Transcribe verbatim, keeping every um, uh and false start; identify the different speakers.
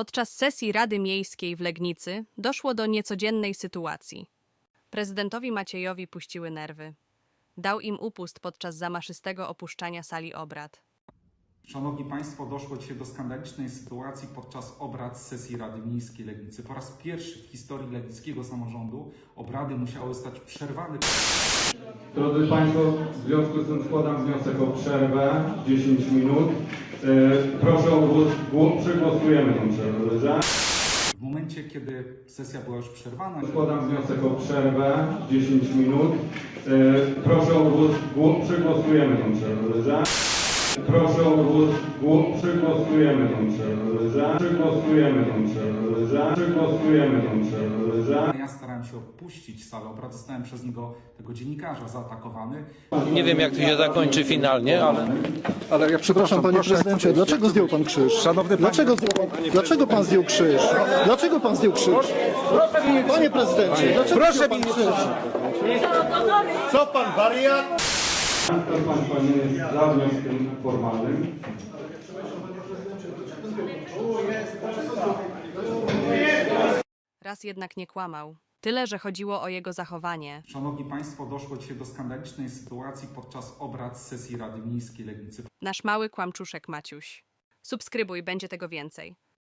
Speaker 1: Podczas sesji Rady Miejskiej w Legnicy doszło do niecodziennej sytuacji. Prezydentowi Maciejowi puściły nerwy. Dał im upust podczas zamaszystego opuszczania sali obrad.
Speaker 2: Szanowni Państwo, doszło dzisiaj do skandalicznej sytuacji podczas obrad sesji Rady Miejskiej Legnicy. Po raz pierwszy w historii legnickiego samorządu obrady musiały zostać przerwane.
Speaker 3: Drodzy Państwo, w związku z tym składam wniosek o przerwę dziesięć minut. Yy, proszę o głos, głos, przegłosujemy tę przerwę, dobrze?
Speaker 2: W momencie, kiedy sesja była już przerwana,
Speaker 3: Składam wniosek o przerwę dziesięć minut. Yy, proszę o głos, głos, przegłosujemy tę przerwę, dobrze? Proszę o głos, głos, przegłosujemy tę przerwę, dobrze? Przegłosujemy tę przerwę, dobrze? Przegłosujemy tę przerwę, dobrze?
Speaker 2: ja starałem się opuścić salę obrad, zostałem przez niego, tego dziennikarza, zaatakowany.
Speaker 4: Nie wiem, jak to się zakończy finalnie, ale...
Speaker 5: Ale ja przepraszam, panie prezydencie, dlaczego zdjął pan krzyż?
Speaker 6: Szanowny panie-
Speaker 5: Dlaczego, zdjął pan, dlaczego pan zdjął krzyż? Dlaczego pan zdjął krzyż? Panie prezydencie, dlaczego
Speaker 6: Proszę
Speaker 5: zdjął pan
Speaker 6: mi-
Speaker 5: krzyż?
Speaker 6: Co pan wariat?
Speaker 3: Kto z Państwa nie jest za wnioskiem formalnym?
Speaker 1: Raz jednak nie kłamał. Tyle, że chodziło o jego zachowanie.
Speaker 2: Szanowni Państwo, doszło dzisiaj do skandalicznej sytuacji podczas obrad sesji Rady Miejskiej Legnicy.
Speaker 1: Nasz mały kłamczuszek Maciuś. Subskrybuj, będzie tego więcej.